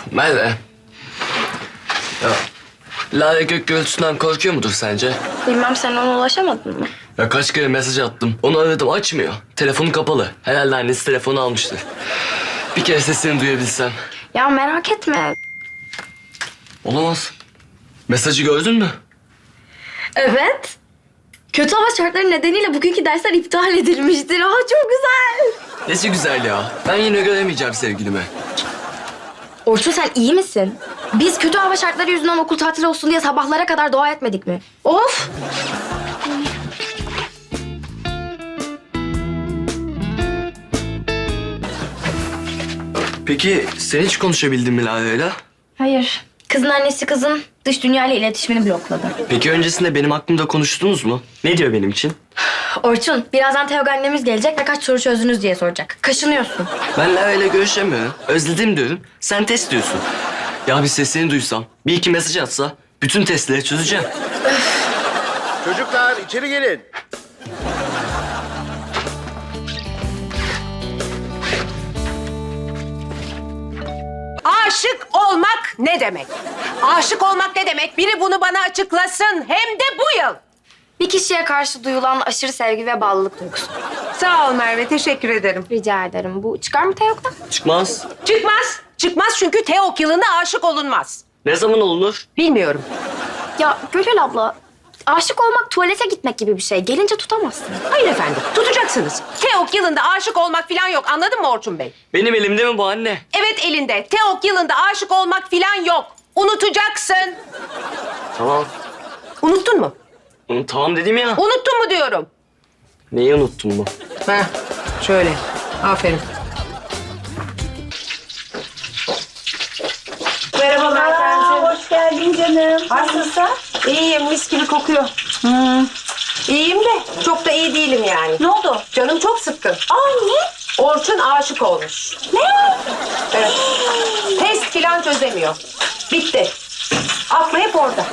Merve. Ya, Lale gök gürültüsünden korkuyor mudur sence? Bilmem, sen ona ulaşamadın mı? Ya kaç kere mesaj attım. Onu aradım, açmıyor. Telefonu kapalı. Herhalde annesi telefonu almıştır. Bir kere sesini duyabilsem. Ya merak etme. Olamaz. Mesajı gördün mü? Evet. Kötü hava şartları nedeniyle bugünkü dersler iptal edilmiştir. Aa, çok güzel. Nesi güzel ya. Ben yine göremeyeceğim sevgilimi. Orçun, sen iyi misin? Biz kötü hava şartları yüzünden okul tatili olsun diye sabahlara kadar dua etmedik mi? Of! Peki sen hiç konuşabildin mi Lale'yle? Hayır. Kızın annesi kızın dış dünyayla iletişimini blokladı. Peki öncesinde benim hakkımda konuştunuz mu? Ne diyor benim için? Orçun, birazdan Teog annemiz gelecek ve kaç soru çözdünüz diye soracak. Kaşınıyorsun. Ben Lale'yle görüşemiyorum. Özledim diyorum. Sen test diyorsun. Ya bir sesini duysam, bir iki mesaj atsa bütün testleri çözeceğim. Çocuklar içeri gelin. Aşık olmak ne demek? Aşık olmak ne demek? Biri bunu bana açıklasın. Hem de bu yıl. Bir kişiye karşı duyulan aşırı sevgi ve bağlılık duygusu. Sağ ol Merve, teşekkür ederim. Rica ederim. Bu çıkar mı Teog'dan? Çıkmaz. Çıkmaz. Çıkmaz çünkü Teok yılında aşık olunmaz. Ne zaman olunur? Bilmiyorum. Ya Gönül abla, aşık olmak tuvalete gitmek gibi bir şey. Gelince tutamazsın. Hayır efendim, tutacaksınız. Teok yılında aşık olmak falan yok. Anladın mı Orçun Bey? Benim elimde mi bu anne? Evet elinde. Teok yılında aşık olmak falan yok. Unutacaksın. Tamam. Unuttun mu? Tamam dedim ya. Unuttun mu diyorum. Neyi unuttun bu? Heh, şöyle. Aferin. Merhaba Meltemciğim. Hoş geldin canım. Nasılsın? İyiyim, mis gibi kokuyor. İyiyim de çok da iyi değilim yani. Ne oldu? Canım çok sıkkın. Aa, niye? Orçun aşık olmuş. Ne? Evet. Test filan çözemiyor. Bitti. Aklı hep orada.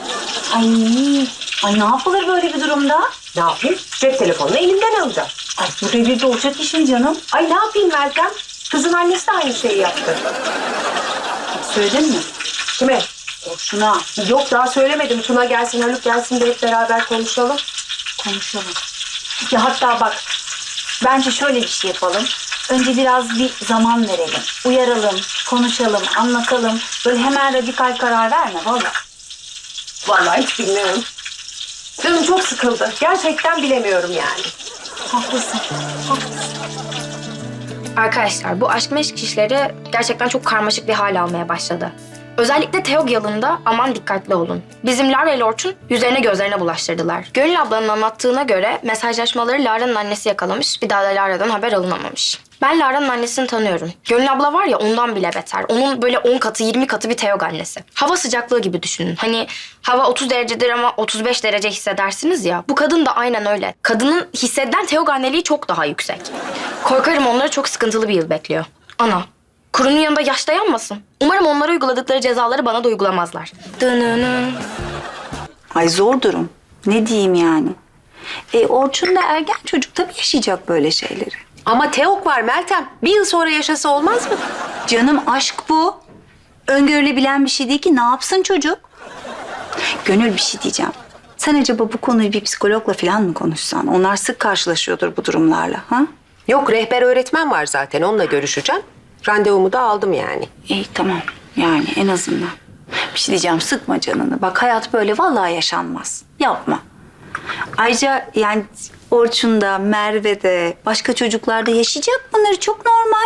Ay ne yapılır böyle bir durumda? Ne yapayım? Cep telefonunu elimden alacağım. Ay bu devirde olacak işin canım. Ay ne yapayım Meltem? Kızın annesi de aynı şeyi yaptı. Söyledin mi? Kime? Şuna Yok daha söylemedim. Tuna gelsin, Haluk gelsin de hep beraber konuşalım. konuşalım. Ya hatta bak, bence şöyle bir şey yapalım. Önce biraz bir zaman verelim. Uyaralım, konuşalım, anlatalım. Böyle hemen radikal karar verme vallahi. Vallahi hiç bilmiyorum. Canım çok sıkıldı. Gerçekten bilemiyorum yani. Haklısın, haklısın. Arkadaşlar, bu aşk meşk işleri gerçekten çok karmaşık bir hal almaya başladı. Özellikle Teog yılında aman dikkatli olun. Bizim Lara ile Orçun yüzlerine gözlerine bulaştırdılar. Gönül ablanın anlattığına göre mesajlaşmaları Lara'nın annesi yakalamış, bir daha da Lara'dan haber alınamamış. Ben Lara'nın annesini tanıyorum. Gönül abla var ya, ondan bile beter. Onun böyle 10 katı 20 katı bir Teog annesi. Hava sıcaklığı gibi düşünün. Hani hava 30 derecedir ama 35 derece hissedersiniz ya. Bu kadın da aynen öyle. Kadının hissedilen Teog anneliği çok daha yüksek. Korkarım onları çok sıkıntılı bir yıl bekliyor. Ana, kurunun yanında yaş dayanmasın. Umarım onlara uyguladıkları cezaları bana da uygulamazlar. Dınını. Ay zor durum. Ne diyeyim yani? Orçun da ergen çocuk, tabii yaşayacak böyle şeyleri. Ama Teok var Meltem. Bir yıl sonra yaşasa olmaz mı? Canım aşk bu. Öngörülebilen bir şey değil ki. Ne yapsın çocuk? Gönül, bir şey diyeceğim. Sen acaba bu konuyu bir psikologla falan mı konuşsan? Onlar sık karşılaşıyordur bu durumlarla. Ha? Yok rehber öğretmen var zaten. Onunla görüşeceğim. Randevumu da aldım yani. İyi tamam. Yani en azından. Bir şey diyeceğim, sıkma canını. Bak hayat böyle vallahi yaşanmaz. Yapma. Ayrıca yani Orçun'da, Merve'de, başka çocuklarda yaşayacak bunları, çok normal.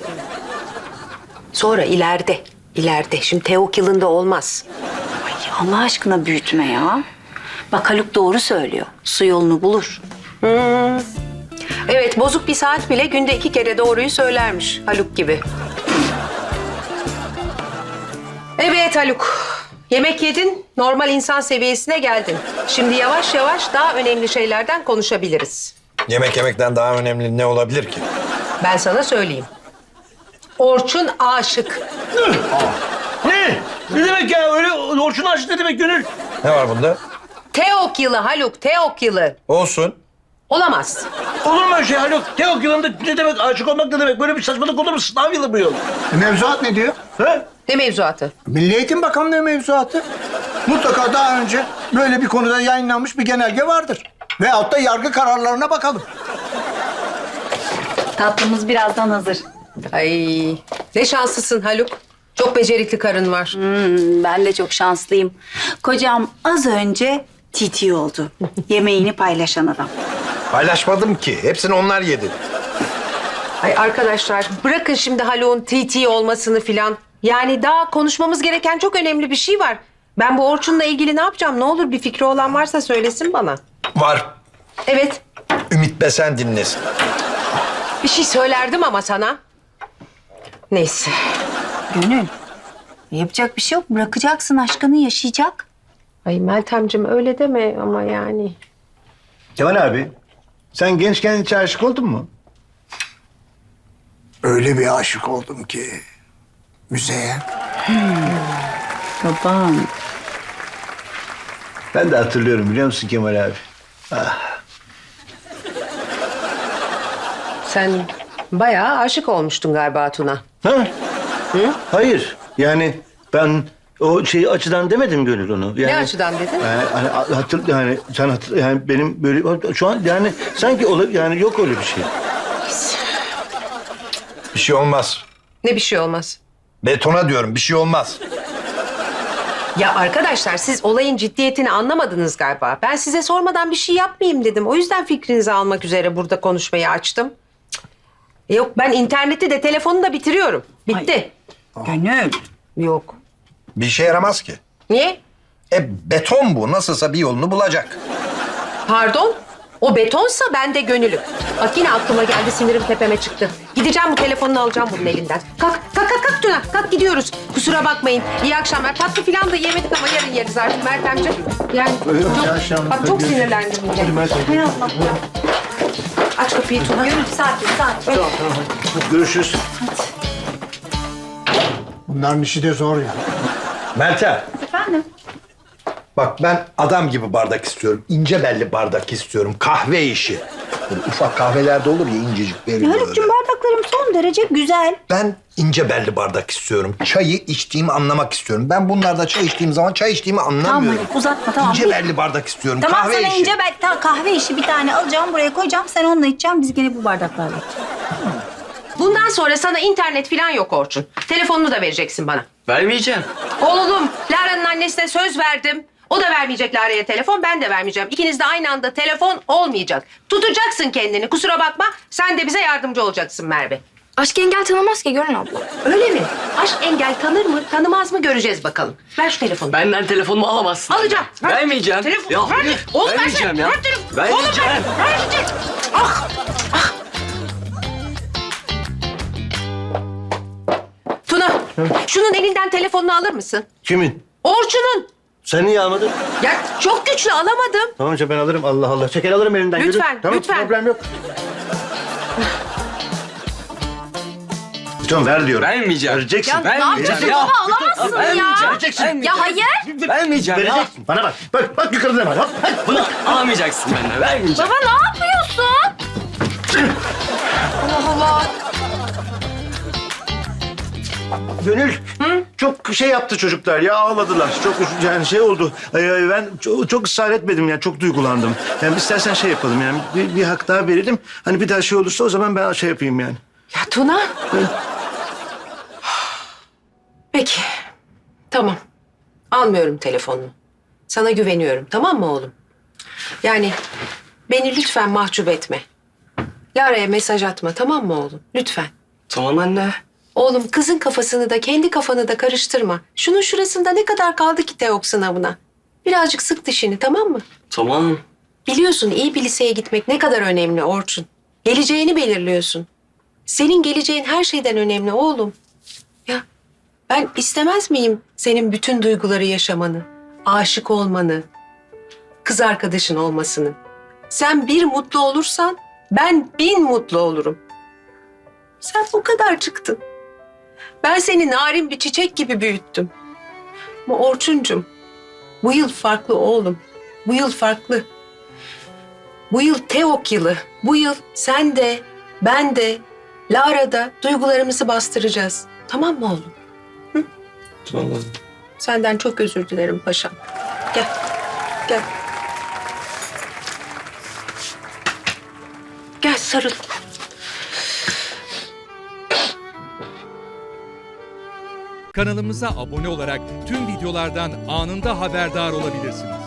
Sonra ileride. Şimdi Teok yılında olmaz. Ay Allah aşkına büyütme ya. Bak Haluk doğru söylüyor. Su yolunu bulur. Evet bozuk bir saat bile günde 2 kere doğruyu söylermiş Haluk gibi. Evet Haluk. Yemek yedin, normal insan seviyesine geldin. Şimdi yavaş yavaş daha önemli şeylerden konuşabiliriz. Yemek yemekten daha önemli ne olabilir ki? Ben sana söyleyeyim. Orçun aşık. Ne? Ne demek ya? Öyle Orçun aşık ne demek Gönül? Ne var bunda? Teok yılı Haluk, Teok yılı. Olsun. Olamaz. Olur mu öyle şey Haluk? Teok yılında ne demek aşık olmak ne demek? Böyle bir saçmalık olur mu? Sınav yılı bu yıl. Mevzuat ne diyor? He? Ne mevzuatı? Milli Eğitim Bakanlığı mevzuatı. Mutlaka daha önce böyle bir konuda yayınlanmış bir genelge vardır. Veyahut da yargı kararlarına bakalım. Tatlımız birazdan hazır. Ay ne şanslısın Haluk. Çok becerikli karın var. Ben de çok şanslıyım. Kocam az önce TT oldu. Yemeğini paylaşan adam. Paylaşmadım ki. Hepsini onlar yedi. Ay arkadaşlar bırakın şimdi Haluk'un TT olmasını filan. Yani daha konuşmamız gereken çok önemli bir şey var. Ben bu Orçun'la ilgili ne yapacağım? Ne olur bir fikri olan varsa söylesin bana. Var. Evet. Ümit Besen dinlesin. Bir şey söylerdim ama sana. Neyse. Gönül, yapacak bir şey yok. Bırakacaksın, aşkını yaşayacak. Ay Meltemciğim öyle deme ama yani. Kemal abi, sen gençken hiç aşık oldun mu? Öyle bir aşık oldum ki müzeye. Babam. Ben de hatırlıyorum biliyor musun Kemal abi? Sen bayağı aşık olmuştun galiba Tuna. Ha? Hayır. Yani ben o şey açıdan demedim Gönül onu. Yani, Ne açıdan dedin? Yani sen yani benim böyle şu an yani sanki yani yok öyle bir şey. Bir şey olmaz. Ne bir şey olmaz. Betona diyorum bir şey olmaz. Ya arkadaşlar siz olayın ciddiyetini anlamadınız galiba. Ben size sormadan bir şey yapmayayım dedim. O yüzden fikrinizi almak üzere burada konuşmayı açtım. Yok ben interneti de telefonu da bitiriyorum. Bitti. Gönül. Yok. Bir işe yaramaz ki. Niye? Beton bu. Nasılsa bir yolunu bulacak. Pardon? O betonsa ben de gönülüm. Bak yine aklıma geldi sinirim tepeme çıktı. Gideceğim bu telefonunu alacağım bunun elinden. Kalk Tuna. Kalk gidiyoruz. Kusura bakmayın. İyi akşamlar. Tatlı falan da yemedik ama yarın yeriz artık Meltemciğim. Yani bak çok sinirlendim yine. Hay Allah ya. Aç kapıyı Tuna. Gönül sakin. Hadi görüşürüz. Bunların işi de zor ya. Meltem. Efendim? Bak ben adam gibi bardak istiyorum. İnce belli bardak istiyorum. Kahve işi. Böyle ufak kahvelerde olur ya incecik belli böyle. Haluk'cum bardaklarım son derece güzel. Ben ince belli bardak istiyorum. Çayı içtiğimi anlamak istiyorum. Ben bunlarda çay içtiğim zaman çay içtiğimi Tamam anlamıyorum. Haluk uzatma tamam. İnce belli bardak istiyorum. Tamam kahve sana işi. ince tamam, kahve işi bir tane alacağım buraya koyacağım. Sen onunla içeceğim. Biz gene bu bardaklarla. Bundan sonra sana internet falan yok Orçun. Telefonunu da vereceksin bana. Vermeyeceğim. Oğlum, Lara'nın annesine söz verdim. O da vermeyecek Lara'ya telefon, ben de vermeyeceğim. İkiniz de aynı anda telefon olmayacak. Tutacaksın kendini, kusura bakma. Sen de bize yardımcı olacaksın Merve. Aşk engel tanımaz ki Gönül abla. Öyle mi? Aşk engel tanır mı, tanımaz mı göreceğiz bakalım. Ver şu telefonu. Benden telefonumu alamazsın. Alacağım. Ver. Vermeyeceğim. Telefon. Ya ver. hayır, Oğlum vermeyeceğim versene. ya. Ver telefonu. Vermeyeceğim. Oğlum ver. Ver. Ah. Tuna, şunun elinden telefonunu alır mısın? Kimin? Orçun'un. Sen niye almadın? Ya çok güçlü alamadım. Tamam ben alırım. Allah Allah. Çeker alırım elinden. Yürü. Lütfen, Tamam, lütfen. problem yok. Tamam ver diyorum. Vermeyeceğim. Vereceksin. Ya ne yapıyorsun ya. baba alamazsın ya. Vereceksin. Ya hayır. Vermeyeceğim ya. Vereceksin. Bana bak. Bak yukarıda ne var? Hop. Bunu alamayacaksın benden. Vermeyeceğim. Baba ne yapıyorsun? Allah Allah. Gönül çok şey yaptı çocuklar ya ağladılar. Çok yani şey oldu. Ben çok ısrar etmedim yani çok duygulandım. Yani istersen şey yapalım yani bir hak daha verelim. Hani bir daha şey olursa o zaman ben şey yapayım yani. Ya Tuna. Peki. Tamam. Almıyorum telefonunu. Sana güveniyorum tamam mı oğlum? Yani beni lütfen mahcup etme. Lara'ya mesaj atma tamam mı oğlum? Lütfen. Tamam anne. Oğlum kızın kafasını da kendi kafanı da karıştırma. Şunun şurasında ne kadar kaldı ki TEOK sınavına? Birazcık sık dişini tamam mı? Tamam. Biliyorsun iyi bir liseye gitmek ne kadar önemli Orçun. Geleceğini belirliyorsun. Senin geleceğin her şeyden önemli oğlum. Ya ben istemez miyim senin bütün duyguları yaşamanı, aşık olmanı, kız arkadaşın olmasını? Sen bir mutlu olursan ben 1000 mutlu olurum. Sen o kadar çıktın. Ben seni narin bir çiçek gibi büyüttüm. Ama Orçuncum, bu yıl farklı oğlum. Bu yıl farklı. Bu yıl Teok yılı. Bu yıl sen de, ben de, Lara da duygularımızı bastıracağız. Tamam mı oğlum? Tamam. Senden çok özür dilerim paşam. Gel, gel. Gel sarıl. Kanalımıza abone olarak tüm videolardan anında haberdar olabilirsiniz.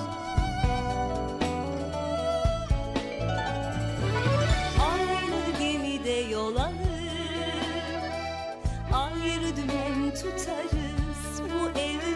Aynı gemide yol alır, ayrı dümen tutarız bu evde.